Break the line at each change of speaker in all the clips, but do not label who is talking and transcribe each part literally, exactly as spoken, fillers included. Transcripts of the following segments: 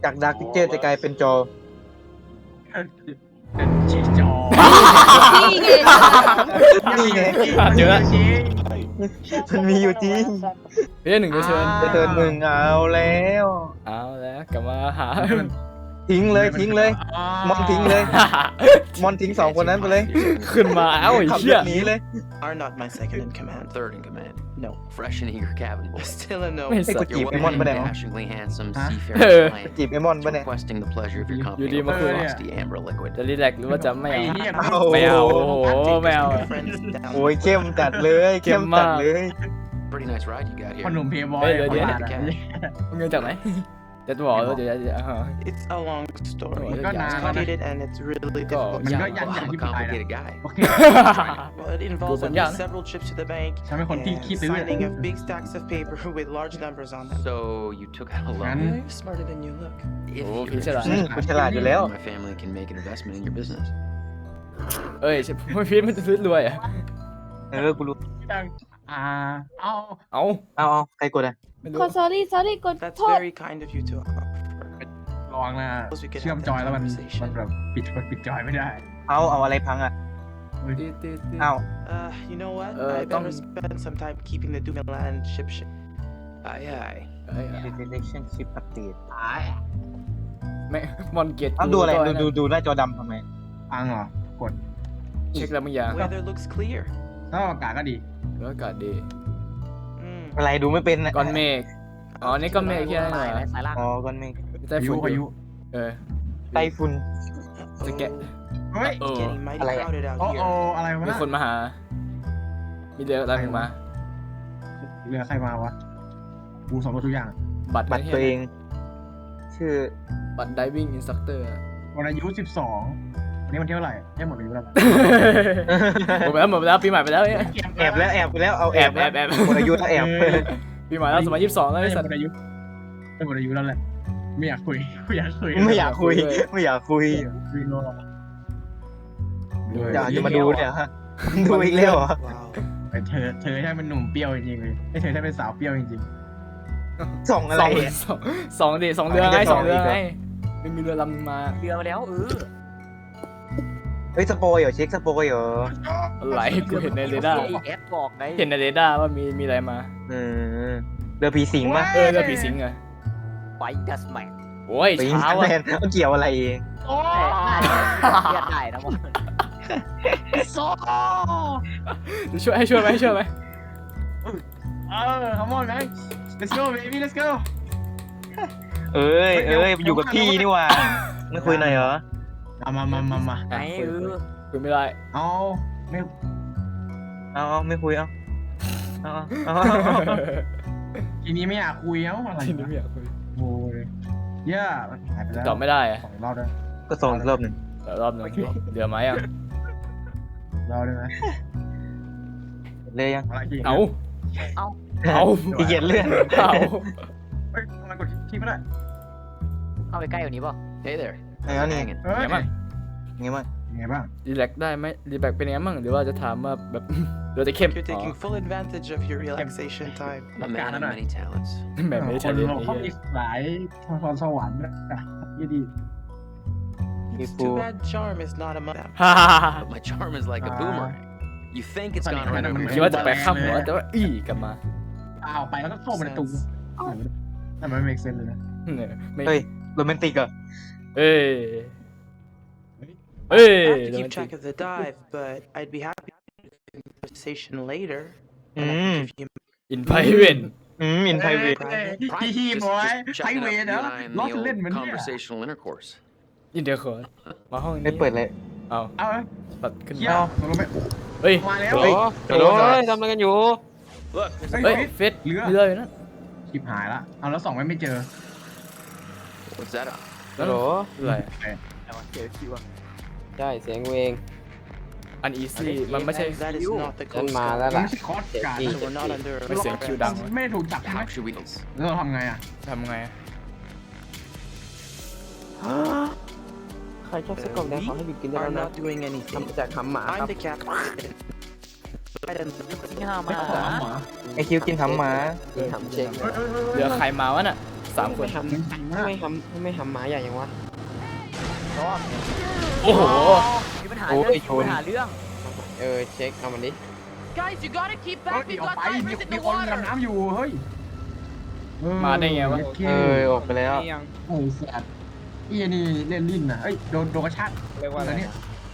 จากดาร์กพิกเจอร์จะกลายเป็นจอ
เป็นชีจอ
นี่ไง
เจอแล้ว
มันมีอยู่จริง
เรื่องหนึ่งจะเชิญ
จะเทิร์นหนึ่งเอาแล้ว
เอาแล้วกลับมาหา
ทิ้งเลยทิ้งเลยมอนทิ้งเลยมอนทิ้งสองคนนั้นไปเลย
ขึ้นมาเอ้าไอ้
ขับ
เหี้
ร
ย
ถหนีเลย
Are not my second in command.
Third in command.
No.
Fresh and eager cabin boy.
Still a no.
ไม่
ไอ้
สั
กู
ตว์
จีบ
You're
ไอ้มอน
welcome
ไปไหน
and
วะ
dashingly handsome
Huh?
seafaring client.
จีบไอ้มอนไปไหน
Requesting the pleasure of your
อยู่
company
ดีมาคุย
with frosty amber liquid.
จะรีแลกซ์หรือว่าจะไม่
ไอ้
เอา
เหี้ย
เอา
ไม่เอาโอ้โหไม่เอา
Friends down.
โอ้ยเข้มจัดเลยเข้มจัดเลย
Pretty nice ride you got
พอห
here.
นุ่มเพย์บอย
เฮ้ยเดี๋ยวเดี๋ยว
ประมาณนั้น
เงินจากไหนจะบอกว่าเดี๋ยวจะ
It's a long story.
Oh,
It's
yeah.
complicated and it's really difficult.
มันก็
Yeah,
ยัน
well,
ยัน
I'm
ที่
a
ปลายนะ
complicated guy.
โอเค
Well, it involves at
Yeah.
least several trips to the bank
ฉันเป็นคนที่
and
ขี้ซื้อ
signing of big stacks of paper with large numbers on them.
So you took out a
Man.
loan.
You're smarter than you look.
If
Oh,
you're
he's a-
อืม
interested,
กูฉลาดอยู่แล้ว
my family can make an investment in your business.
เอ้ยพี่มันจะซื้อรวยอ่ะ
เออกูรู้
อ่าเอา
เอา
เอาเอาใครกดอ่ะ
ไม่รู้
ขอ sorry sorry กด
That's
โทษ
very kind of you to offer.
ลองนะเชื่อมจอยแล้วมันมันแบบปิดปิดจอยไม่ได้
เอาเอาอะไรพังอ่ะ
ตีตีตี
เอา
Uh, you know what?
Uh,
I better
Tom-
spend some time keeping the Dumoulin ship shape.
Aye, aye.
เอ้ย
relationship update
แม่มอนเกต
เอาดูอะไรดูดูดูหน้าจอดำทำไม
อังเหรอกด
เช็คแล้วมึงยัง
Weather looks clear.
ถ้าอากาศก็ดี
แล้วอากาศดี
Mm.
อะไรดูไม่เป็นนะ
ก้อนเมฆอ๋อนี่ก้อนเมฆที่ไหนเหรอ
อ๋อก้อนเมฆ
ใต้
พายุ
ฝุ่น
พายุ
เออ
ไต้ฝุ่น
จะแกะ
เฮ้ย
เอ
It's
อ
getting mighty
อะไรอะ?
crowded out
โอ้โอ
here.
อะไรวะ
มีคนมาหา มีเรืออะไรมา
เรือใครมาวะกูสำรวจทุกอย่าง
บัตร
บัตรตัวเอง ชื่อ
บัตร diving instructor
วันอายุสิบสองวันนี้วันที่เท่าไหร่ได้หมดอายุแล้ว
หมดไปแล้วหมดไปแล้วปีใหม่ไปแล้วเนี่ย
แอบแล้วแอบไปแล้วเอาแอบ
แอบแอบ
หมดอายุถ้าแอบ
ปีใหม่แล้วสมัยยี่สิบสองแล้ว
ได้
ไอ้
ห
สั
ม
ต
ด
ว์
อายุได้หมดอายุแล้วแหละไม่อยากคุยไม่อยากคุย
ไม่อยากคุย ไม่อยากคุย
คุยโลก
อยากจะมาดูเนี่ยฮะดูอีกแล้วเหรอ
Wow.
เธอเธอใช่เป็นหนุ่มเปรี้ยวจริงๆเลยไอ้เธอใช่เป็นสาวเปรี้ยวจริง
ส่องอะไร
สอง
อะ
สองสองดิสองเรือไงสองเรือไงไม่มีเรือลำมา
เรือมาแล้วเออ
เฮ้ยสปอยเหรอเช็คสปอยเหรอ
อะไรกูเห็นในเรดาร์
ไอแอดบอกไง
เห็นในเรดาร์ว่ามีมีอะไรมา
เออเรือผีสิงป่ะ
เออเรือผีสิงเหรอ
ไฟดัสแมน
โอ้ย
ผี
เช้า
แม
อ่ะ
นเกี่ยวอะไรเอง
ๆโอ้
เรียกได้นะมัน
โซ่
ช่วยให้ช่วยไหมให้ช่วยไหม
เออ come on man let's go baby let's go
เอ้ยเอ้ยอยู่กับพี่นี่หว่าไม่คุยหน่อยเหรอ
เอามามามามา
ไงเออ
คุยไม่ได้
เอาไม่
เอาเอาไม่คุยเอาเอาเอาเอา
ทีนี้ไม่อยากคุยเอ้าอะไร
ทีนี้ไม่อยากคุย
โอ้ยเย่าหายไปแล้ว
ตอบไม่ได้อะ
สองรอบได้
ก็ส่งอีกรอบหนึ่ง
เดี๋ยวรอบหนึงเดี๋ยวมายัง
รอบได้ไหม
เลยยัง
อะไรอีก
เอาเอา
ขี้เกียจเลื่อน
เอา
เฮ้ยทำไมกดที่ไม่ได้
เข้าไปใกล้กว่านี้ป่ะ
Hey there.
ไอ้เอานี่
Hanging.
เฮ้ย
ไงบ้าง
ไงบ้าง
ไงบ้าง
รีแลกได้ไหมรีแลกเป็นยังไงบ้างหรือว่าจะถามว่าแบบ เดี๋ยวจะเข้ม
You're taking full advantage of your relaxation time.
A man of many talents.
แบบไม่ได้
ค
ใช้
น
เล่น
เรา
ไอ้
เขา
เหี้
มี
ย
หลายพรสวรรค์นะยี่ดี
It's too bad charm is not among them.
ฮ่าฮ่าฮ่า
But my charm is like a
Ah.
boomerang. You think it's
Funny,
gone right
man,
over
I'm
คิด
your
ว่าจะ
head.
ไปข้ามหัวแต่ว่าอี้กลับมา
อ้าวไปแล้วก็เข้ามาในตู้นั่นมันไม่ make sense เลยนะ
เนี่ยไม่
เฮ้ยโรแมนติกเหรอ
เอ้ยเอ้ย
I have to keep track of the dive, but I'd be happy to have a conversation later. And I can give you
อินไพเวน
อืมอินไพเวท
ฮีฮี
Just,
บอย
just
ไฮ
checking
เว
up
ย์
you
นะ
and I in
ล้อ
the
เล่น
old
เหมือนเนี่ย
conversational intercourse.
อินเดียคอร์มาห้องนี้
ไม่เปิดเลย
เอา
เอา
ปัดขึ้น
เที่ย
มาว
ตกลงไป
เฮ้ย
มาแล้ว
เฮ้ย
โอ้ยทำอะไรกันอยู่
Look,
เฮ้ยเฟส
เรือ
เรืออยู่นั่น
ชิบหายละเอาแล้วสองไม่ไม่เจอ
what's that on?
ฮัลโหล
อะไร
แต่ว่าเจอคิวอะ
ใช่เสียงเวง
อันอีซี่มันไม่ใช่
that is not the
ฉัน
coast
มา
guard.
แล้ว
มัน
ล่ะ
ไม่ใช่คอร์สการ์ด
เจ็ด
So we're not under
ไม่เสียงคิวดังวะ
ไม่ได้ถูกจับใช่ไหม
How should we?
แล้วเราทำไงอ่ะ
ทำไง
ใครชอบสกอตแดงขอให้หยุดกินได้
are
แล้วนะ
not doing anything.
ทำมาจากหำหมาค
I'm
รับ
the captain. I don't know.
ที่ห้ามา
ไม่ขอหมา
ไอคิวกินทำหมา
กินหำเช็ค
เรือใครมาวะน่ะสามคน
ทำไม่ทำไม่ทำหมาใหญ่ยังวะ
โอ้โห
มีปัญหา
โอ้
เรื่อง
ยชน
มีปัญหาเรื่อง
เออเช็คเอามันดิ
Guys, you gotta keep
เฮ้ย
back. We've
ออก
got
ไปมี
divers in
มี
the
คน
water.
ดำน้ำอยู่เฮ้ย
มาได้ไงวะ
เอ
เอ
อ
อออกไปแล้ว
โอ้ยแสบอีนี่เล่นลิ้นนะเอ้ยโดนโดนกระชาก
เรียกว่าอะไร
เนี่ย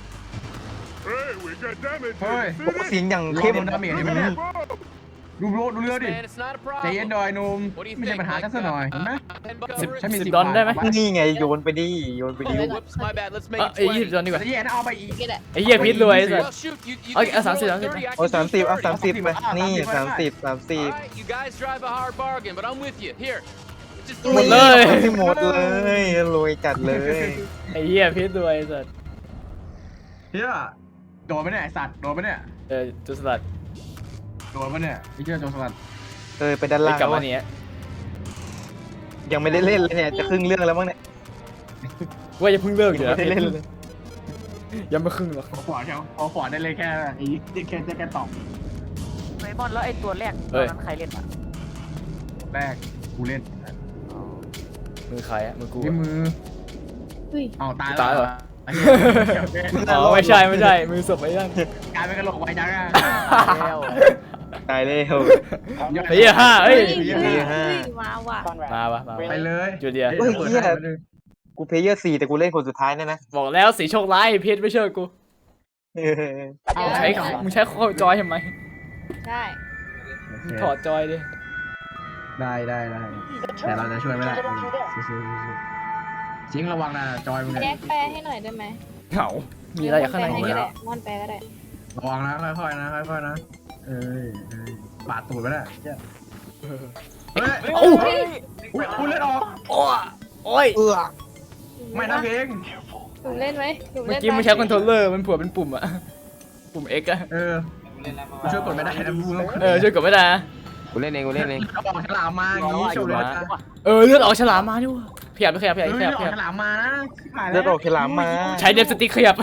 Hey, we got damage.
เฮ้ย
โอ้เสียงอย่าง
เข้
เข้
ม
ม
ดาเมจนี่มันเนี่ยดูโรดูเรือดิ
Man, it's not a
ใจเย็น
problem.
หน่อยหนุ่มไม่ใช่ปัญหากันซะหน่อยเห็นไหม
Ten
สิบ
bucks.
ฉันมี
สิบ
สิบ
ดอลได้ไหม
บาท
นี่ไงโยนไปดิโยนไปดิ
Whoops, my bad. Let's
เอ้
make
ย
it
ไอ้ยี่สิบ
twenty.
ดอลดีกว่า
จะแย่นะเอาไปอีก
ไอ้เหี้ยพิษรวยไอ้สัส
Well, shoot, you, you
Okay,
think
uh,
you
thirty,
rolled
okay.
thirty, I
โอ้
can
สาม
do
สิบเอา
thirty.
สามสิบไปนี่
30
สามสิบสามสิบ
All right, you guys drive a hard bargain, but I'm with you. Here, just
หมดเลย
หมดเลยรวยจัดเลย
ไอ้เหี้ยพิษรวยไอ้สัส
เฮียโดนไหมเนี่ยไอสัตว์โดนไหมเนี่ย
เออจุดสลัด
โดนไหมเนี่ยไอ้เหี้ยโดนสลัด
เออไปด้าน
ไป
ล่าง
กลับ
แล้ว
มาเนี้ย
ยังไม่ได้เล่นเลยเนี่ยจะครึ่งเรื่องแล้วมั้งเนี่ย
ว่าจะเพิ่งเลิกอยู่
ไม่
นะ
ได้เล่นเลย
ยังไม่ครึ่งหรอก
พอขวาแค่พอขวาได้เลยแค่ไอ้แค่แค่แค่ตอบ
ไมอนแล้วไอ้ตัวแรกตอนนั้นใครเล่นอ่ะ
แรกกูเล่น
มือใครอะมือกู
ที่
อะ
มือเอาตาย
ตายเหรอ
ไอ้เหี้ยโอเค
อ๋อไม่ใช่ไม่ใช่มือศพไอ้นั่น
กลายเป็นกระโหลกไว้จังอะ
แล้ว
ตายเลยโห
ไอ้เหี้ยห้าเอ้ย
เฮ้ยห้า
มาว่ะ
มาปะมา
ไปเลย
จูเลีย
เฮ้ยเหี้ย กูเพลเยอร์สี่แต่กูเล่นคนสุดท้ายเนี่ยนะ
บอกแล้วสีโชคร้ายพิษไม่เชื่อกู
เออ
เอาใช้มึงใช้ข้อจอยทำไม
ใช่
มึงถอดจอยดิ
ได้ได้ได้แต่เราจะช่วยไม่ได้สู้ๆชิงระวังนะจอยมึง
แยกแปลให้หน่อยได้ไหม
เหงามีอะไรอยู่ข้างใน
ม
ไห
อน
ม
แปลให้ก็ได้มอนแปลก็ได้
ระวังนะค่อยๆนะค่อยๆนะเอ้ยปาดตูดไปแล้วเฮ้ย
โอ้
อุ้ยคุณเล่นออก
โอ้โอ้ย
เออ
ไม่นะเพลง
หนูเล่นไหมหนู
เมื่อ
เล่น
กี้มึงใช้คอนโทรลเลอร์มันผัวเป็นปุ่มอะปุ่ม X อะ
เออช่วยกดไม่ได้นะบู
เออช่วยกดไม่ได้นะ
กูเล่นเองกูเล่นเอง
เขาบอกฉลามมาอย่างนี้จบเลยนะ
เออเลือดออกฉลามมาดิวะขยับไปขยับข
เฮ้
ยับ
ย
ขยับ
อ
ข
อก
ยับ
ฉลามมานะ
เลือดออกฉลามมา
ใช้เดฟสติ๊กขยับ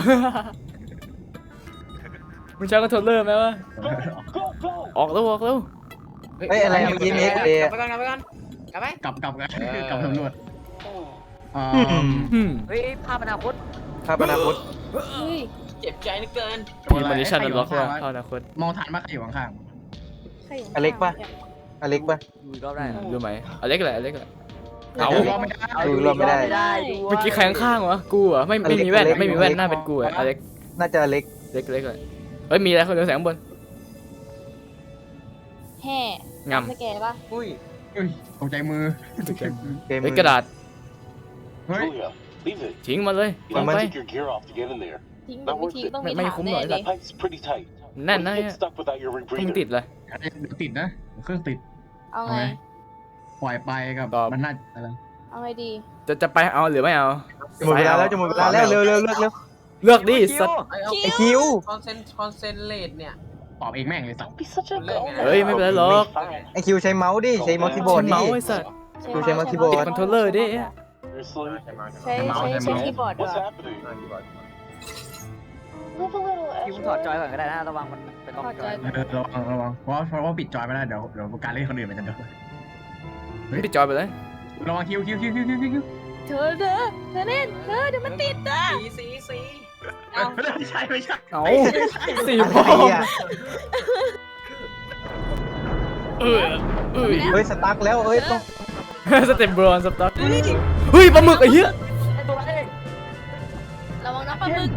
มึงใช้คอนโทรลเลอร์ไหมวะออกแล้วออกแล้ว
เฮ้ยอะไรเมื่อกี้เอ็กเอ
ไปก่อนไปก่อนกลับไป
กลับกลับกันกลับตำรวจอ่า
อืม
เฮ้ยภาพอนาคต
ภาพอนาคต
เฮ้ย
เจ็บใจเหลือเกิน
มีมาริชันล็อกว่าเข้าอนาคต
มองฐานมาใครอยู่ข้าง
ใครอยู่
อเล็กปะ อเล็กปะ
ดูอีกรอบได้เหรอ
รู้ไหมอเล็กแหละอเล็กแหละ
ๆ
เอา
รอไม่ได้
ดูรอบไม่ได้
ได้
เมื่อกี้ใครข้างๆวะกูเหรอไม่ไม่มีแว่นไม่มีแว่นหน้าเป็นกูอะอเล็ก
น่าจะอเล็ก
เล็กเล็กเลยเฮ้ยมีอะไรคนเดียวแสงบน
แห่
งำ
สแกนปะ
อุ้ย
เฮ้ยตกใจมือ
เกม
เฮ้ยกระดาษ
เฮ้ย
Julia, leave it.
ทิ้งมาเลย
You
ลง
have
ไป
to take your gear off to get in there.
ทิ้งหรือไม่ทิ้งต้องมี
ไม่
ถาม
คุ้มหร
แน่
อก
เลย
The pipe's pretty tight.
แน่น
What
นะ
if you get stuck without your
มึงติด
rebreather?
เลย
เดี๋ยวติดนะเครื่องติด
เอาไง
ปล่อยไปกับ
ตอบ
มันน่าอะไร
เอาไงดี
จะจะไปเอาหรือไม่เอา
จะหมดเวลาแล้วจะหมดเวลาแล้วเร็วเร็วเร็วเร็ว
เลือกดิสัตว์
ไอคิว
คอนเซนคอนเซนเลตเนี่ย
ตอบเองแม่งเลยสัตว์
Don't be such a goner.
เฮ้ยไม่เป็นไรหรอก
Fine.
ไอคิวใช้เมาส์ดิใช้เมาส์คีย์บอร์ด
เมา
นี่
ส์ไอ้สัตว์
ดูใช้เมาส์คีย์บอร์
ติด
ด
คอนโทรลเลอร์ดิ
Seriously?
ใช้ใช้ใช้คีย์บอร์ดด้ว
What's
ย
happening?
คิวถอดจอยก่อนก็ได้นะระวังมันเป็นล็อกจอย
เออระวังระวังเพราะเพราะว่าปิดจอยไม่ได้เดี๋ยวเดี๋ยวการเล่นคนอื่นมันจะโดน
ปิดจอยไปเลย
ระวังคิวคิวคิวคิวคิวคิว
เธอเธอเธอเล่นเธอเดี๋ยวมันติดนะ
สีสีสี
เอา
ไม่ใช่ไม่ใช่
เอาสี่
อะ
พอ
ไรอ่ะ
เออเออ
เฮ้ยสตั๊กแล้วเฮ้ยต้อง
สเต็ปบรอนสต็อกเฮ้ยปลาหมึกไอ้เหี้ย
ระวังนะปลาหมึก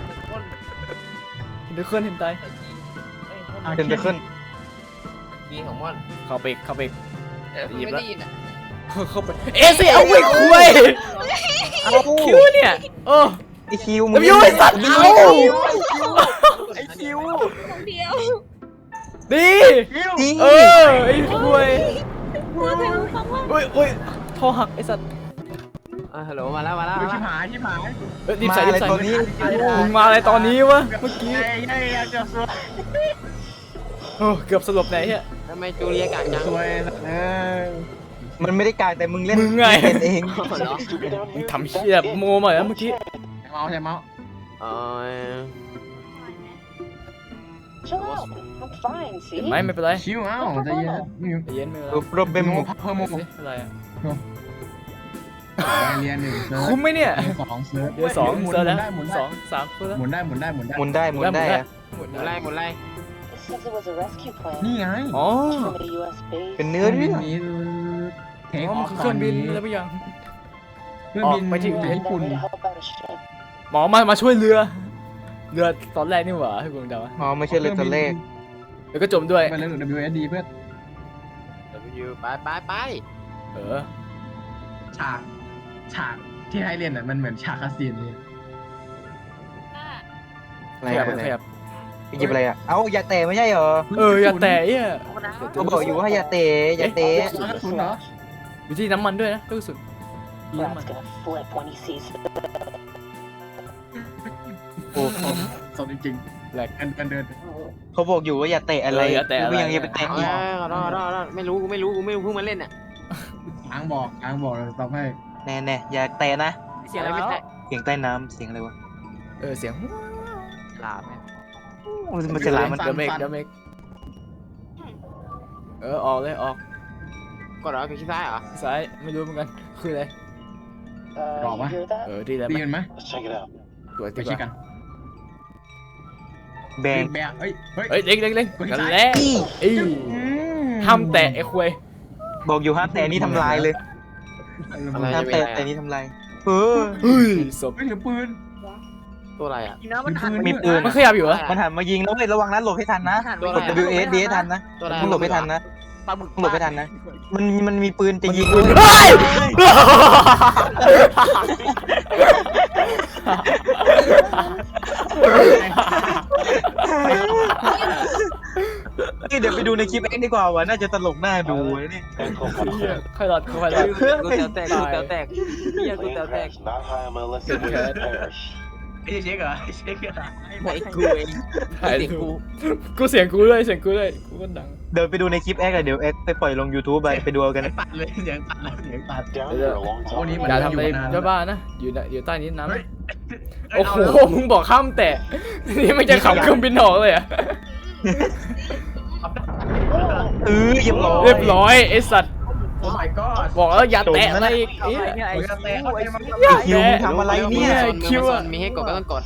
เดี๋ยวเคลื่อนเห็นตาย
เป็นไปขึ้น
บีของม่อน
เข้าไปเข้าไป
เออ
หยิบ
ไม่
ละ
ได้ยินอ่ะ
เข้าไปเอ๊ะสิเอาไว้คุย
เอา
คิวเนี่ยโอ้
ไอคิว
แล้วยูไอ้สัตว์เอา
ไอคิว
คนเดียว
ดี
จริง
เออไอ้คุย
เธอเธอฟังว่า
เฮ้ยเฮ้ยท่อหักไอ้สัตว์
อ่ะฮัลโหลมาแล้วมาแล้ว
ชิบหายชิบหาย
เฮ้ยรีบ
มา
ใส่รี
อะไร
บใส่
ตอนนี้
มึงมาอะไรตอนนี้วะเมื่อกี้
เฮ้ยเฮ้ยจะสวย
โอ้เกือบสลบไหนเฮีย
ทำไมจูเลียกากจัง
สวยเออ
มันไม่ได้กลางแต่มึงเล่น
มึงไง
เป็นเอง
เหรอ
Stupid down
มึง
here.
ทำเฮียโมมาแล้วเมื่อกี้
ใช้เมาส์ใช้เมาส์
อ๋อ
Chill out I'm fine
เห็นไหมไม่เป็นไร
ชิวเอ้าใจเย็น
ใจเย็นไม่เป็นไร
โปรเบม
โมเพิ่มโม
สิอะไรอ่ะ
เรียนหนึ่งเซิร์ฟ
คุ้มไหมเนี่ย
สองเซิร์ฟ
เดี๋ยวสอง
หมุน
เซอร์แล้ว
ได้หมุนได้
สองสามเซอร์แล้ว
หมุนได้หมุนได้หมุนได้
หมุนได้หมุนได้อะ
หมุน
หมุนอะไรหมุนอะไร
It says it was a rescue plane
นี่ไง
อ๋อ
from a U S base.
เป็นเนื้อเรื่อง
นี้เทค
อ๋อ
อ
มั
อน ฟ
คือเครื่องบินแล้วไปยัง
เครื่องบิน
ออกไปที่
ญี่ปุ่น
To help out a ship.
หมอมามาช่วยเรือ เรือตอนแรกนี่หว่าให้กูเดา
อ๋อไม่ใช่เลยตัวเลข
แล้วก็จมด้วย
ไปเรื่อง ดับเบิลยู เอส ดี เพื่อน
W ไปไปไป
เออ
ฉากฉากที่ให้เรียนอ่ะมันเหมือนฉากคาสิโนเลย
อะไร
ขยับ
อะไร
ขยับ
ไปหยิบอะไรอ่ะเอ้าอย่าเตะไม่ใช่เหรอ
เอออย่าแตะเอี้ย
เขาบอกอยู่ว่าอย่าเตะอย่าเตะ
กระสุนเหรอ
อยู่ที่น้ำมันด้วยนะลูกกระสุนมีน้ำมัน
Brad's gonna flip when he sees it.
โอ้
สดจริง
แหลก
ๆกันกันเดิน
เขาบอกอยู่ว่าอย่าเตะอะไร
เอออย่าแตะอะไร
กูยังอย่าไปเตะ
เอา
อีก
ขอโทษขอโทษขอโทษไม่รู้กูไม่รู้กูไม่รู้เพิ่งมาเล่นอ่ะ
อ้างบอกอ้างบอกเลยตอบให้
แน่แน่อย่าเตะนะ
เสียงอะไรไม่ใช่
เสียงใต้น้ำเสียงอะไรวะ
เออเสียง
ลาบไหม
โอ้ยมันจะหลายมัน
เดอะเมกเดอะเมกเออออกเลยออก
กดเหรอคือขี้ซ้ายเหรอ
ซ้ายไม่รู้เหมือนกันคืออะไร
Uh,
Rob,
you
huh?
hear that?
เออดีแล้ว
ตี
ไหม
กันไหม
Let's check it out.
ตรวจ
ไป
ดีก
เช็คกั
ว่าน
แบง
แบกเฮ้ยเฮ้ย
เฮ้ยเล็งเล็งเล็ง
กดที่
กัน
ซ้าย
แหล้วอีห้ามแตะไอ้ควย
บอกอยู่ห้ามแตะนี่ทำลายเลย
อะไร
ห้าม
จะเป็น
แตะ
อะไร
แต่
อะ
นี่ทำลายเออ
เฮ้ยศพ
เฮ้ยถือปืน
ตัวอะไรอ่ะ
จริงนะมันหัน
มีปืน
มันขยับอยู่เหรอ
มันหันมายิงแล้วเว้ยระวังนะหลบให้ทันนะ
หัน
ตัว
กด
อะไร
W S D ให้ทันนะ
ตัวอะไร
มึงหลบให้ทันนะ
ปลาหมึก
มึงหลบให้ทันนะ มันมันมีปืนจะยิง
เฮ้ย
นี่เดี๋ยวไปดูในคลิปเอ็กดีกว่าวะน่าจะตลกน่าดูนะเนี่ย
ค่อยหลอดค่อยหลอด
กูเต๋วแตกกูเต๋วแตกเฮียกู
Plane
เต๋วแตก
crash not high on my list of ways to perish.
ไอ้เช็คเหรอเช็คเหรอ
ไหนกูเอง
ถ่าย
เสียง
รู
กู
ปกูเสียงกูเลยเสียงกูเลยกูก็ดัง
เดี๋ยวไปดูในคลิปเอ็กอะเดี๋ยวเอ็กไปปล่อยลง YouTube ไปไปดูเอากันนะ
ตัดเลยเสียงตัดแล้วเสียงตัด
Down here a long
Oh,
time.
นี่
อ
มัน
ย่าทำอะไร
อยู่นาน
เจ้าบ้านะอยู่ในอยู่ใต้นี้น้ำ
เฮ้ย
โอ้โหมึงบอกข้ามแตะนี่ไม่จะขับเครื่องบินออกเลยอ่ะ
เออเรียบร้อย
เรียบร้อยไอ้สัตว์
โอ้ my god
บอกแล้วอย่าแตะอะไรอีก
เอา
เอ้ย
ไปเนี่ยไอ้
โอ้ยแตะ
คิวไอ้
มัน
คิว
คิวมึงทำอะไรเนี่ย
คิวอะ
มีให้กดก็ต้องกด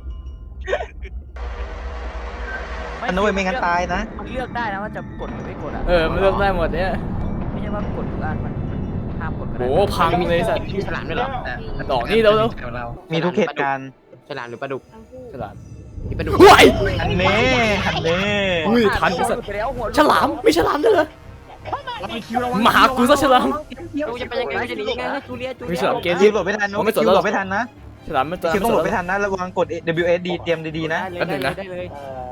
อันนั้นเว้ยไม่งั้นตายนะ
มันเลือกได้นะว่าจะกดหรือไม่กดอ่ะ
เออมันเลือกได้หมดเนี่ย
ไม่ใช่ว่ากดทุกอันมันห้ามกดก็ได้
โอ้พังเลยสัตว์
มีฉลามด้วยเหรอ
ดอกนี่เร็ว
เรา
มีทุกเหตุการณ์
ฉลามหรือปลาดุก
ฉลาม
มีปลาดุก
ห่วย
อันเน่อันเน่
อุ้ยทันไอ้สัตว์
ไปแล้วหัว
ฉลามไม่ฉลามด้วยเหรอมาหากูซะฉลาม
กูจะไปยังไงกูจะหนียังไง
จูเลียจู
มี
เลีย
ฉลามเกม
คิวหลบไม่ทันนะคิวหลบไม่ทันนะ
ฉลามมันจะ
คิวต้องหลบไม่ทันนะระวังกด W S D เตรียมดีๆนะ
ได้เลยได้เลย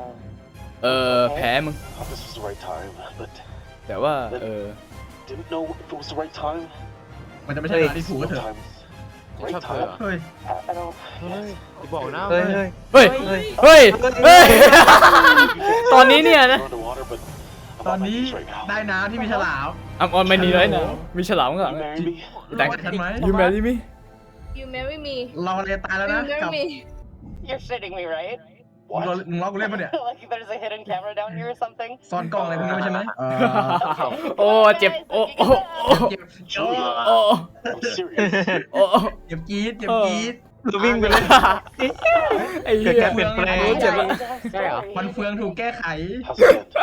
Uh,
เออแพ้มึง
thought this was the right time, but
แต่ว่าเออ
didn't know if it was the right time.
มันจะไม่ใช่เวลาที่ถูกก็เถอะ
Sometimes,
ชอบ
right
เธอ
time.
เฮ้ย
I, I don't.
กูบอกนะ
เฮ้ยเฮ้ย
เฮ้ย
เฮ้ย
เฮ้ยเฮ้ย ตอนนี้เนี่ยนะ
Underwater, but I'm
ตอน
on my
นี้
knees right now.
ได้น้ำที่มีฉลาม
อัมออนไม่หนีเลยนะมีฉลามข้างหลัง
You marry me?
แต่
รอดทันไหม
ยูแมรี่มิ
You marry me.
เราเลยตายแล้วนะ
You
กับ
marry me. You're shitting me, right?
มึงรอ
What?
มึงล็อกกูเล่นปะเนี่ย
Like there's a hidden camera down here or something?
ซ่อนกล้องอะไรพวกนี้ไม่ใช่ไหมเออ
โอ้เจ็บโอ้โอ้โอ้
เจ็บ
Julia,
โอ้
I'm serious.
โอ้
เจ็บจี๊ดเจ็บจี๊ด
เราวิ่งไปเลย
ไอ้เหี้ย
เกิดการเปลี่ยนแปลง
โอ้เจ็บละ
มันเฟืองถูกแก้ไข
How's it end?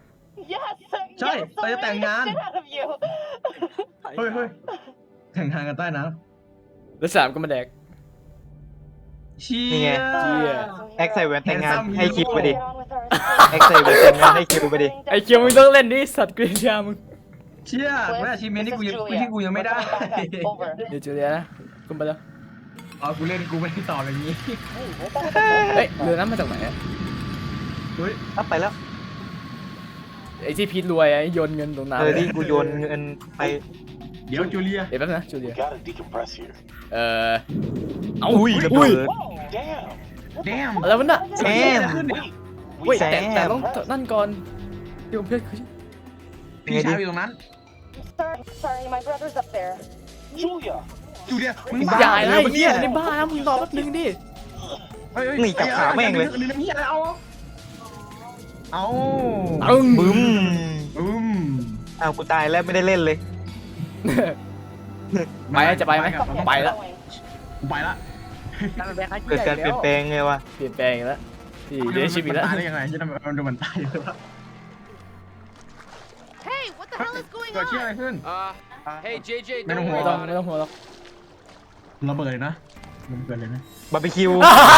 Yes.
Sorry,
yes,
tayo
I
tayong
made the
yan.
shit out of you.
เฮ้ยเฮ้ยแข่งทางกันใต้น้
แล้วสามก็มาแดก
ำเชี่
นี่ไง
ย
เชี่ย
แอคใส่แหวนแต่งงานให้คลิปไปดิ
Get on with our
แอคใส่แหวนแต่งงานให้คลิปไปดิ
ไอ้เคียวมึงต้องเล่นดิสัตว์กรีนยามึง
เชี่ยแม่อาชีพเมนที่กูยังที่กูยังไม่ได้
Over.
เดี๋ยวจูเลียนะขึ้นไปแล้ว
อ๋อกูเล่นกูไม่ได้ตอบอย่างนี้
เฮ้ยเรือนั้นมาจากไหนอะ
เฮ้ย
อัพไปแล้ว
ไอ้ที่พีทรวยไอ้โยนเงินตรงน้ำ
เออที่กูโยนเงินไป
เดี๋ยวจูเลีย
เดี๋ยวแป๊บนะจูเลี
We
ย
gotta decompress here.
เอ่อเอา
อุ้ยระ
อุ้
เบิ
ย
ด
Damn.
แดม
อะไรวะน่ะ
แซม
เว้ย
แซม
แต่แต่ต้องนั่นก่อนที่ผมเพื่อนคือ
พี่ชายอยู่ตรงนั้น
Sorry, sorry, my brother's up there.
Julia.
จูเลียมึง
มึง
บ้า
ใหญ่
เล
นะ
ย
ไอ้เหี้ยในบ้านะมึงรอแป๊บนึงดิ
เฮ้ยเฮ้ย
นี่จับขาแม่งเลย
นี่น้ำเหี้ยอะไรเอาเอา
ตึ้ง
บึ้ม
อืม
อ้าวกูตายแล้วไม่ได้เล่นเลย
ไปไหมจะไปไหมไปแล้ว
กูไปละ
การเป็นแบงค์
เกิดการเปลี่ยนแปลงไงวะ
เปลี่ยนแปลงอีกแล้วที่เดชิบิแล้ว
ตายได้ยังไงที่ทำไมมันดูมันตายเลยวะ
Hey, what the hell is going
เกิดเชี่ยอะไร
on?
ขึ้น
Uh, hey, J J,
Man,
don't
I'm
ไม่
worry
ต้อง
about
ไม่
it.
ต้องหัวหรอก
ระเบิดเลยนะมันเกิดเลยนะ
บาร์บีคิว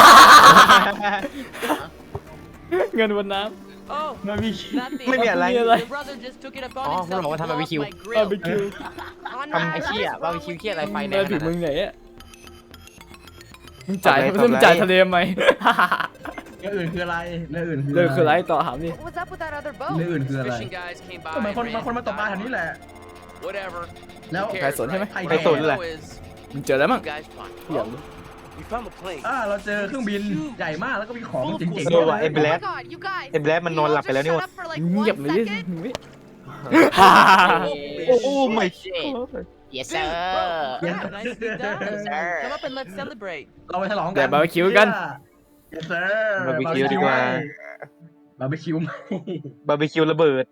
เงินบนน้
Oh,
มันมี
nothing.
ไม่มีอะไร
มีอะไร
Your brother just took it upon
Oh,
himself
hold on, what
to
time
blow
barbecue?
up my
ำบาร์บี
grill.
คิว
Conrad,
ไอ้เชี่ยบาร์บีคิวเชี่ยอะไรไฟแด
มาง ถึง
ขนาด
มึง
นั้น
ไหนอะมึงจ่าย
ทำไร
มึง
ทำไร
จ่ายทะเลไหม
เรื่องอื่นคืออะไรเรื่องอื่นคือ
เลิกคือไรต่อถามดิ
What was up with that other
เรื่อง
boat?
อื่นคืออะไร
Fishing guys came by.
ก็เหมือนคน
ran
บางคนมาตกปลาแถวนี้แหละ
Whatever.
แล้ว
Who
ใคร
cares,
สนใช่ไหม
right?
ใคร
สน
All I
แหละ
know is
มึงเจอแล้วมั้ง
you guys fun.
อยากรู้
We found a plane.
อ่าเราเจอเครื่องบินใหญ่มากแล้วก็มีของเจ๋งๆ
เออว่ะ
เล
ไอ้
ย
แบล็
Oh
ค
my god, you guys.
ไอ้แบล็คมันนอนหลับไปแล้วนี่
Can
วะ
you all just shut up for like
เงียบ
one
เลยดิ
second?
มึงไม่
โอ้ไม่
yes
Dude,
sir
bro, crap, nicely done.
Yes, sir.
Come up and let's celebrate.
เราไปฉลองกัน
เดี๋ยวบาร์บีคิวกัน
Yes sir
บาร์บีคิวดีกว่า
บาร์บีคิวไหม
บาร์บีคิวระเบิด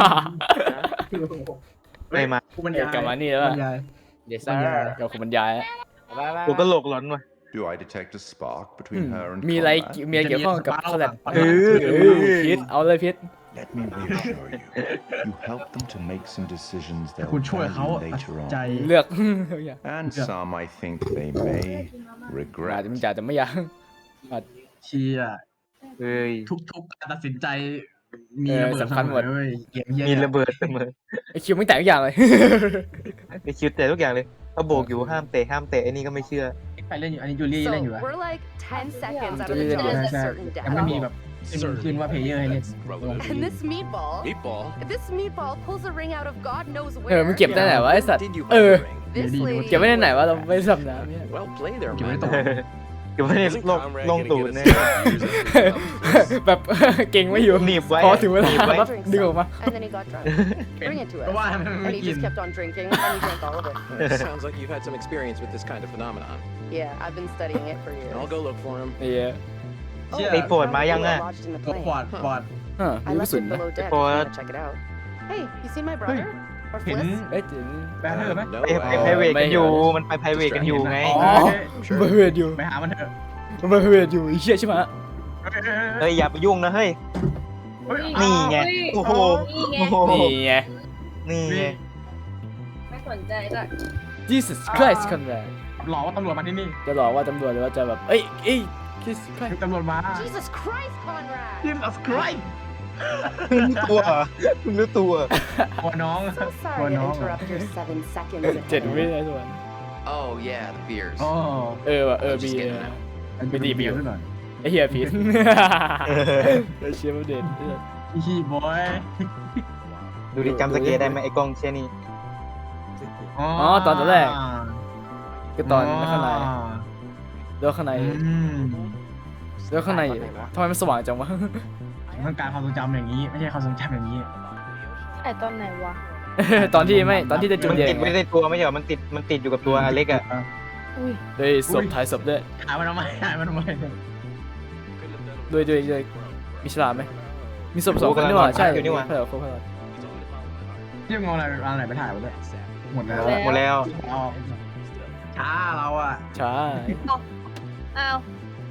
ไม่มา
กูบรรยาย
กลับมานี่แล้ว
บร
อะ
รยาย
yes
บรร
sir
ยาย
เดี๋ยวคุณบรรยายอะ
บายบาย
กูก็โหลกหลอนว่ะ
Do I detect a spark
อื
between
ม
her and
มีอะไร
Conrad?
มีอะไรเกี่ยวข้องกับคอลแลบ
เอ
อ
เออพิษเอาเลยพิษ
Let me reassure you. You help them to make some decisions
แต่
they'll
คุณช่วยเขา
value
ตัด
later
ใจ
on.
เลือก อยาก
And some I think they may
อาจ
regret.
จะไม่อยากแต่ไม่อยาก
เชียร์
เอ้ย
ทุกๆการตัดสินใจ มี
เออ
ระเบิด
สำคัญหมด
เสอเว้ยเกมเหี้ย
มีระเบิดเสมอ
ไอคิวไม่แต่งทุกอย่างเลย
ไอคิวเตะทุกอย่างเลยเขาโบกอยู่ห้ามเตะห้ามเตะไอ้นี่ก็ไม่เชื่อ
ใครเล่นอยู่อันนี้จูลี่
So
เล่นอยู่อะ
we're like ten seconds out of
Yeah.
the job
Yeah.
to certain
ยังไม่มี
death.
แบบขึ้นว่าเพลเยอร์ให้เล่น
And this meatball,
Meatball.
this meatball pulls a ring out of God knows
เออ
where.
มึงเก็บได้ไหนวะไอสัตว์
Did you
เออ
find the ring?
This
Yeah,
lady.
เก็บไว้ในไหนวะเราไม่สำน้ำเนี่ย
Well played there,
เก็บไว้
man.
ตัว
เก็บไว้ใน
Isn't
ลง
Conrad
ลง
gonna
ตูด
get us
เนี่ย
years of-
แบบ เก่งไม่อยู่
หนีบไว้
พอถึงเวลา
หนีบไว้
ปั๊บ
Drink
ดึงออก
some.
มา
And then he got drunk. Bring it to
ก็
us.
ว่ามัน
And
ไม่
he
กิน
just kept on drinking, and he drank all of it.
Sounds like you've had some experience with this kind of phenomenon.
Yeah, I've been studying it for years.
I'll go look for him.
ไอ้เหี้ย
Oh,
เชี่ย
ไอ้ปวดมายังอ่ะ
Probably lodged in the
ตัว
plane.
ปอดปอด
ฮะ
I
รู้
left
สึก
it
นะ
below deck if you
What?
want to check it out. Hey, you seen my brother? Or
เห็น
Fliss?
เอ้ยถึง
แบนเนอร์ไหม
No,
ไปไป
uh,
ไพรเวท
ไม่
กันอยู่ มันไปไพรเวทกันอยู่ไง
อ๋อมันไปเวทอยู่
ไปหามันเถอะ
มันไปเวทอยู่ไอ้เชี่ยใช่ไหม
เฮ้ยอย่าไปยุ่งนะเฮ้ย
เฮ้ย
นี่ไง โอ้โห โอ้โห
นี่ไง
นี่ไง
ไม่สนใจจ้ะ
Jesus Christ คนแรก
หลอกว่าตำรวจมาที่นี่
จะหลอกว่าตำรวจหรือว่าจะแบบเอ้ยเอ้ย Jesus Christ
ตำรวจมา
Jesus Christ, Conrad!
Jesus Christ
รู้ตัวคุณรู้ตัว
ตัวน้อง
So
ตัว
sorry
น้
to
อง
interrupt your seven seconds.
เจ็ด
ahead.
วินาทีส่วน
Oh yeah, the beers.
อ๋อ
เออว่ะเออบีเออ ไม่ดีบิว
หน่อย
ไอ้เหี้ยผิดไอ้เชี่ยมันเด่น
ฮีบอย
ดูดิจำสเกตได้ไหมไอ้กล้องเช่นนี้
อ๋อ
ตอนตอนแรก ก็ตอนข้างในแล้วข้างใน
อืม
แล้วข้างในทำไมมันสว่างจังวะ
ต้องการความทรงจำอย่างนี้ ไม่ใช่ความทรงจำอย่างนี้
ไอตอนไหนวะ
ตอนที่ไม่ตอนที่จะจุด
มัน
แด
ติ
ง
ดไว้ในตัวไม่ใช่เหรอมันติด มันติดอยู่กับตัวอเล็กอะ
เฮ้ยศพถ่ายศพด้วย
หายมันทำไมหายมันทำไม
ด้วยด้วยด้วยมีฉลามไหมมีศพสองคนนี่หว่าใช่
อยู่นี่หว่า
เพื่อเพื่อเพื่อ
ที่มึงเอาอะไรเอาอะไรไปถ่ายมาด้วยหมดแล้ว
หมดแล้ว
เอาช้าเราอ่ะ
ช้า
อ้าว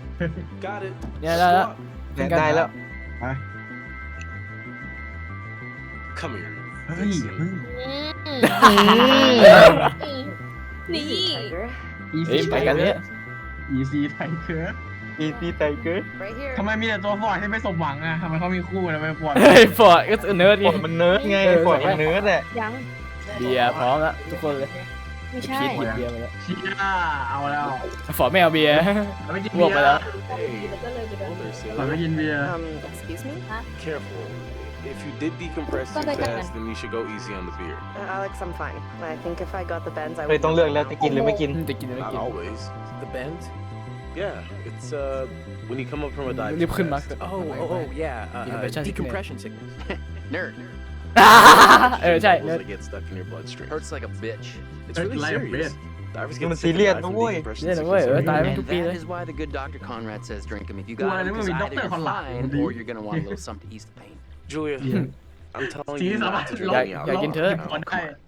Got it.
เนี่ยได้แล้ว
ได้แล้ว
Come here.
เฮ้ยเฮ้ย
นี่
เอ้ยไปกันเนี่ย
อีซีไทเกอร์
อีซีไตเกอร์
right here
ทำไมมีแต่ตัวฟอร์ดที่ไม่สมหวังอ่ะทำไมเขามีคู่ทำไมฟอร์ด
เฮ้ยฟอร์ดก็เนิร์ด
ฟ
ไง
อร์ดมันเนิร์ดไงฟอร์ดมันเนิร์ดอะ
ยัง
เบียร์พร้อมแล้วทุกคนเลย
ไม่ใช่
พีทหยิบเบียร์มาแล้ว
เชียเอาแล้ว
ฟอร์ดไม่เอาเบียร์
เราไม่กิน
บ
เบี
วย ก
ร์
ไปแล้ว
Hold there,
เรา
sailor.
ไม่กินเบียร์
um excuse me
Careful. If you did decompress too fast, then you should go easy on the beer.
uh, Alex I'm fine I think if I got the bends I
เลย
would
ต้องเลือกแล้วจะกินหรือไม่กิน
จะกินหรือไม่
Not
กิน
always. The bend? Yeah, it's uh when you come up from a dive.
Liftขึ้นมา
Oh, oh, oh, yeah. Uh, uh,
Decompression sickness.
decompression sickness. Nerd.
เออใช่
Chemicals that get stuck in your bloodstream. Hurts like a bitch. It's
Hurts
really
like a
serious.
bitch.
Divers
Nhưng mà
get sick and
serious
die
đó
from
ôi.
decompression
Serious đó
sickness.
ôi, ở tại
And
mấy chục
that
kia
is why the good doctor Conrad says drink them if you
Ủa,
got it,
nếu mà
because
bị
either
doctor
you're
còn lại
fine
thì-
or you're gonna want a little something to ease the pain. Julia, I'm telling
สี
you
สามาร
not
ถ
to
ล
drink
บ
me out.
อยากกินเถอะ
ก่อนได้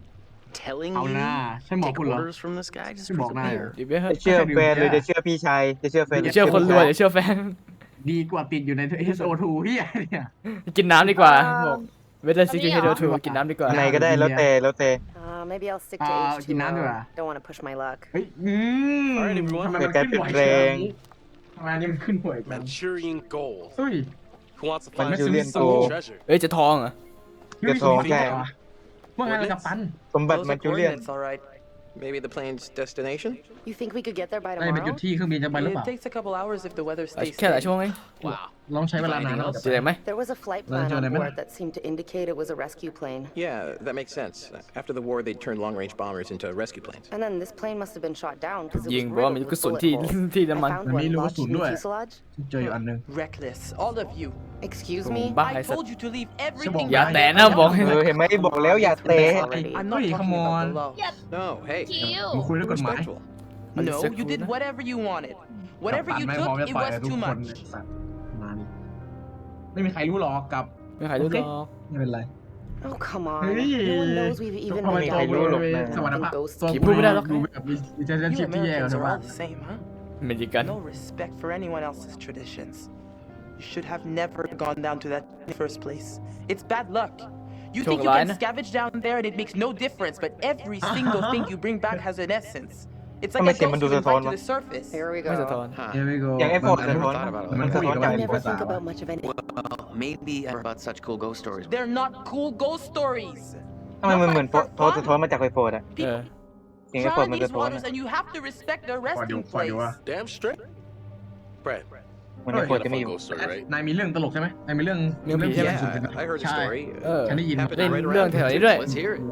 telling
เอาหน้า
you
ใช่หมอ
take
คุณเหรอ
orders from this guy just
ใช่บอกได้เหรอ
ดิเบ้
จะเชื่อแฟนหรือจะเชื่อพี่ชายจะเชื่อแฟนห
อย่าเชื่อคนรวยอย่าเชื่อแฟน
ดีกว่าติดอยู่ใน เอส โอ ทู เฮียเนี่ย
กินน้ำดีกว่าบอกเวทซิกเฮโดทูกินน้ำดีกว่า
ไหนก็ได้แล้วแต่แล้วแต่
Uh, maybe I'll stick to
อ่า
H
กิน
two
น้ำดีก
O.
ว่า
Don't want to push my luck.
เฮ้ยอืม
Alright, everyone.
ทำไมมัน
เกิดการ
ขึ้น
เปลี่
บ่
ย
อน ย
แปลง
ทำไมอันนี้มันขึ้นบ่อยจัง
Manchurian gold.
เฮ้ย
Who wants to
มัน
find
จูเลียน
some
โก
treasure?
เอ้ยจะทองเหรอ
กระทงใช่
ว่าไงล่ะกับปัน
สมบัติ
Those
มัน
are
จูเลียน
coordinates, all right.
Maybe the plane's destination?
You think we could get there by
ได้ไปจุด
tomorrow?
ที่เครื่องบินจะไปหรือเป
It
ล่า
takes a couple hours if the weather
เอา
stays
แค่หลาย
steady.
ชั่วโมงเอง
Wow.
ลองใช้เวลานานแล้ว
เจอไหม
There was a flight
Well,
plan
John,
on
I mean-
board that seemed to indicate it was a rescue plane.
Yeah, that makes sense. After the war, they turned long-range bombers into rescue planes.
And then this plane must have been shot down because it
ยิง
was
เพราะว่ามี
riddled
กระ
with
สุน
bullet
ที่
holes.
ที่
I
น้ำมัน
found
มันมี
one
รูกระ
lodged
สุน
in
ด้วย
the fuselage.
เจออยู่อันหนึง
Reckless, all of you.
Excuse
ผม
me?
บ้า
I
ไอ้สัต
told
ว์
you to leave everything
อย่า
behind.
แตะนะบอก
เออเห็นไหมบอกแล้วอย่าเตะ
I'm not
Hey,
talking
come
about
on.
the law.
No, hey.
มาคุยเรื่องกฎหมาย
Respectful.
No, you did whatever you wanted.
กับ
Whatever
ปัน
you
ไม่พร้อม
took,
จะ
it
ต่อย
was
กับทุก
too
คน
much.
สัตว์มาดิไม่มีใครรู้หรอกกับ
ไม่ใครรู้หรอก
ไม่เป็นไร
Oh, come on.
Hey.
No one knows we've even
ทำไม
been
ตัว
down
รู้หรอก
there.
สวรรค์ภาพ
Ghosts
ตัว
คิดพูดไม่ได้หรอก
ดูแบบมีมีเจนชิ
You
พที่แย่กว่า
Americans
ชาว
are
บ้าน
all the same, huh?
อเมริกัน
No respect for anyone else's traditions. You should have never gone down to that in the first place. It's bad luck. You think you can
Chocolate.
scavenge down there and it makes no difference, but every single thing you bring back has an essence. It's like
How
a
much
ghost
มันดู
you
สะท้อน
invite to
วะ
the surface.
Here we
ไม่สะท้อน
go.
Huh.
เดี๋ยวไปโก
อย่างไอ้โฟน
มัน
สะท้อน
มัน
มัน
คุ
สะ
ย
ท้อน
กับ
จาก
I
ภา
never
ษา
think about much of anything.
Well, maybe I heard about such cool ghost stories.
They're not cool ghost stories.
ทำไมมันเหมือนโฟโทสะท้อนมาจากไฟโฟดอะ
เออ
เสียงไฟโฟด
Drown
มัน
in
สะ
these
ท้อน
waters
อะ
and you have to respect their
ขอดู
resting
ขอดูว่า
place.
Damn straight. Brad,
มันไฟโฟ
you
ด
got
จะ
a
ไม่อ
fun
ยู่
ghost story, right?
นายมีเรื่องตลกใช่ไหมนายมีเรื่อง
เรื่องผีใช่ไหม
Yeah, I heard a
ใช่
story.
เออ
ฉันได้ยิน
Happened
เล่น
right
เรื่อง
around
แถว
here.
นี้ด้วย
Let's hear it.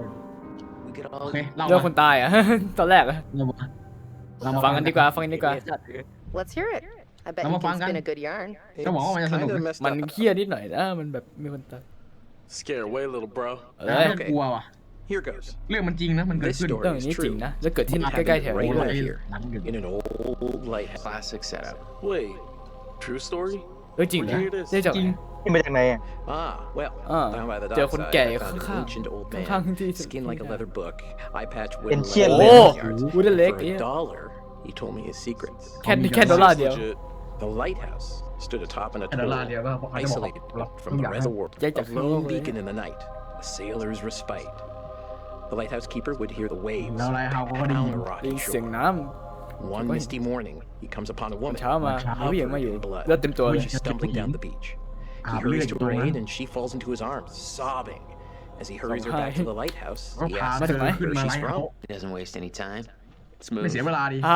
We could
โอ
all
เคเล่า
เรื่องค
มาน
ตายอ่ะ ตอนแรกอะ
เรามาเรามา
ฟังกันดีกว่าฟังกันดีกว่า
Let's hear it. I bet
Come
you
on,
can
Fangan.
spin a good yarn.
จะบอกว่ามันจะสนุก
Kinda
ไหม
messed
มัน
up.
เครียดนิดหน่อยนะมันแบบมีคนตาย
Scare away, little bro.
เอ
น่า
อ
จะกลัวว่ะ
Here goes.
เรื่องมันจริงนะ มันเกิด
This
ขึ้น
story
เรื่องอย่างนี้
is
จริง
true.
นะแล้วเกิดที่ใกล้ๆแถว
โอ้
นี้
โห
ด้วย
หลังเกิด
In an old lighthouse.
classic setup.
Wait, true story?
เออจริงเหรอ
Here it is.
ได้จาก
จริง
ที่มาจากไหนอะ
Ah, well,
Ah,
down by the
เจอคน
dockside,
แก่
I found an
ข้างๆ
ancient old
ข้าง
man,
ๆที่
skin like a leather book, eye patch
เป็น
wooden
เชี่ยน
leg,
เล
โอ้
ย
yards.
วูดเล็ก
For
เนี่ย
a dollar, he told me his secrets.
แค่แค่ดอลลาร์
This
เดียว
is legit. The lighthouse stood atop an
แค่ดอลลาร์
atoll,
เดียวก็อาจจะบอก
isolated
เรา
from
ทุก
the
อย่าง
rest of the world.
Yeah,
A
definitely.
lone beacon in the night, a sailor's respite. The lighthouse keeper would hear the waves
แล้วไรเฮาก็ได้ยิ
pound
น
the
ได้ยิ
rocky
นเสียง
shore.
น้
One misty morning, he comes upon a
ำ
woman
เช้ามา
เช้า
มีผู้หญิงมาอยู่
covered in blood.
เลือดเต็มตัวเลย
She's stumbling down the beach.
อา
He
บเลือด
hurries
อ
to
ยู่ตรง
her
นั้น
aid and she falls into his arms, sobbing. As he hurries her back to the lighthouse,
ก็
he
พา
asks
มาถึ
เธ
ง
อ
ไหน
ขึ้น
where
มา
she's
ไล่เขา
from.
He doesn't waste any time.
ไม่
Smooth.
เสียเวลาดี
อ่า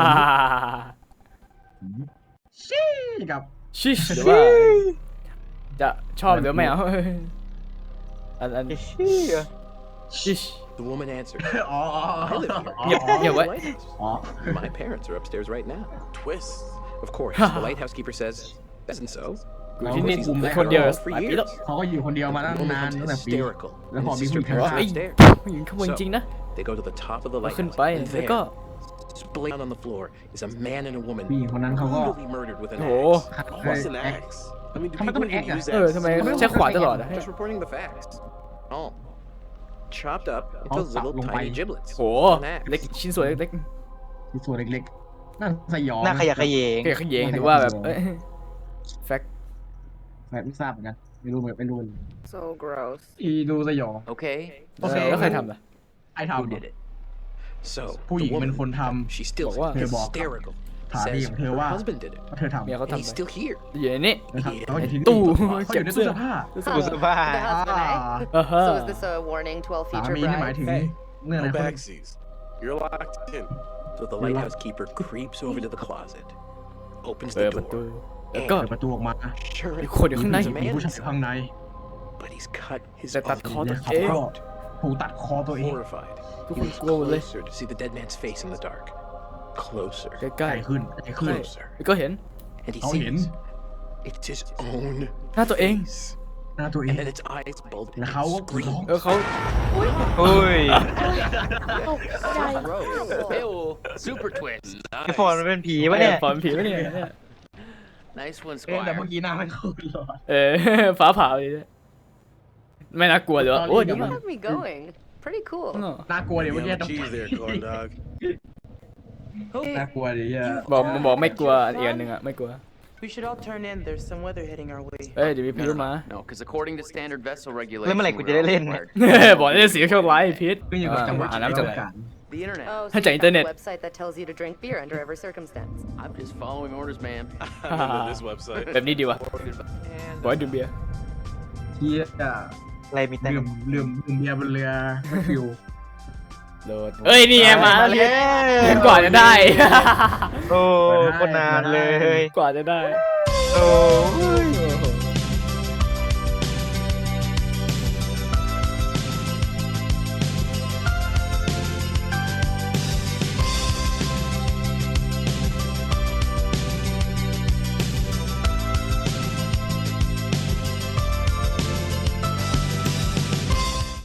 ชี้กับ
ชิชหรือว่าจะชอบหรือไม่เอาอันอัน
เชี่ย
ชิช
The woman answered,
อ๋อ
I live here.
เงียบเงียบไว้
อ๋อ
My parents are upstairs right now. Twist. Of course, the lighthouse keeper says, that isn't so.
อยู่ที่นี่คนเดียวหลายปีแล้ว
เขาก็อยู่คนเดียวมาตั้ง
The woman
นาน
becomes
ตั้งแต่ปี
hysterical,
แล้ว
and
พอ
his
มี
sister
ผู้หญิง
parents
ข้าง
เอ้ย
upstairs.
ผู้หญิงขโมยจริงนะ
They go to the top of the
ขึ้น
lighthouse,
ไป
and
แล้วก็
there, splayed on the floor, is a man and a woman
ผู้หญิงคนนั้นเขาก็
brutally murdered with an
โอ้โห
axe. What's an axe? I mean, do
How am I
people
gonna
even
act
use
เออ
axes?
ทำไมใช้ขวานตลอดอะ
Just reporting the facts. Oh. Chopped up
Oh,
into little
lông
tiny
bay.
giblets.
โอ้
An axe.
เล็กชิ้นส่วนเล็ก
ที่ส่วนเล็กๆน่าสยอง
หน้าขยะแขยง
ๆเกยขยงหรือว่าแบบเอ้ยแฟก
แบบไม่ทราบเหมือนกันไม่รู้เหมือนไม่รู้
So gross.
อีดูสยอง
Okay.
โอเค
แล้วใครทำล่ะ
ไอ้ทำ
Who did it?
So,
ผู้ห
the
ญิงเป็น
woman,
คนท
she still
บอกว่า
hysterical.
ถามพี่
Says
ของเธอ
her
ว่า
husband did it.
ำว่าเธอทำ
เมียเขา
And
ทำ
he's
ไป
still here.
อยู่ในนี้
นะครับเขาอยู่ที่นี่
ตู้
เขาอยู่ในตู้เสื้อผ้า
ตู้เสื้อผ้า
The husband, eh?
อ่าฮะ
So is this a warning to all
สา
future
มีนี่หมาย
brides?
ถึง
Hey,
เรื่องอะไร
No
คน
backsies. You're locked in. So the lighthouse keeper creeps over to the closet, opens
เปิด
the
ประตู
door.
แล้วก็
เปิดประตูออกมา
Sure
มี
enough,
คนอยู่ข้างใน
there's a
มี
man
ผู้ชายอยู่ข้างใน
but he's cut his
แต่ตัด
own
คอตัว
เนี่ยเขา
เอง
ก็ถูกตัดคอตัวเอง
Horrified,
ทุก
he
คน
moves
กลัวหมดเลย
closer to see the dead man's face in the dark. Closer,
ใก
ใก
ล้
ล้ขึ้นใกล้ขึ้น
closer,
ๆแล้วก็เห็น
and he
เขาเห็น
sees it's his own
หน้าตัวเอง
face.
หน้าตัวเอ
And
ง
then its eyes bulge
แล้ว
and
เขาก็
it
กรีดร้อง
screams.
เออเขา
โอ้ย
Ew. Super twist.
ไอฟอนมันเป็นผีวะเนี่ย
ปอนผีวะเนี่ย
Nice one,
เอ๊ะแต่
Squire.
เมื่อกี้หน้าไม่เข้าหรอ
เออ ฟ้าผ่าเลยเนี่ยไม่น่ากลัวเลย
ตอนนี้
โอ้ย
เดี๋
ดี
ยว
มาก
Have me going. Pretty cool.
น่ากลัวเดี๋ยวเมื่อกี้
Yum
ต้อง
cheese there, corn dog.
น่ากลัวดิเฮีย
บอกบอกไม่กลัวอีกอันหนึ่งอะไม่กลัว
We should all turn in. There's some weather hitting our way.
เอ้ยเดี๋ยวมีพายุมา
No, because according to standard vessel
แล้ว
regulations,
เมื่อไหร่กู
we're
จะได้เล่น
required-
บอกได้เสียงโชคร้ายพิษ
ขึ้นอยู่กับจังหวะ
อ่าน้ำจังไหน
The internet.
Oh, so
Hãy
you
chạy
found
internet.
a website that tells you to drink beer under every circumstance.
I'm just following orders, man.
I'm into this website.
แบบนี้ดีวะ
And
บอยดูเบียร์
เฮีย
อะไรมีแต่
ดื่มดื่มดื่มเบียร์บนเรือไม่ฟิว
โดดเอ้ยนี่ไงมาแล้วพิษกว่าจะได้
โอ้คนนานเลย
กว่าจะได้
โอ้ย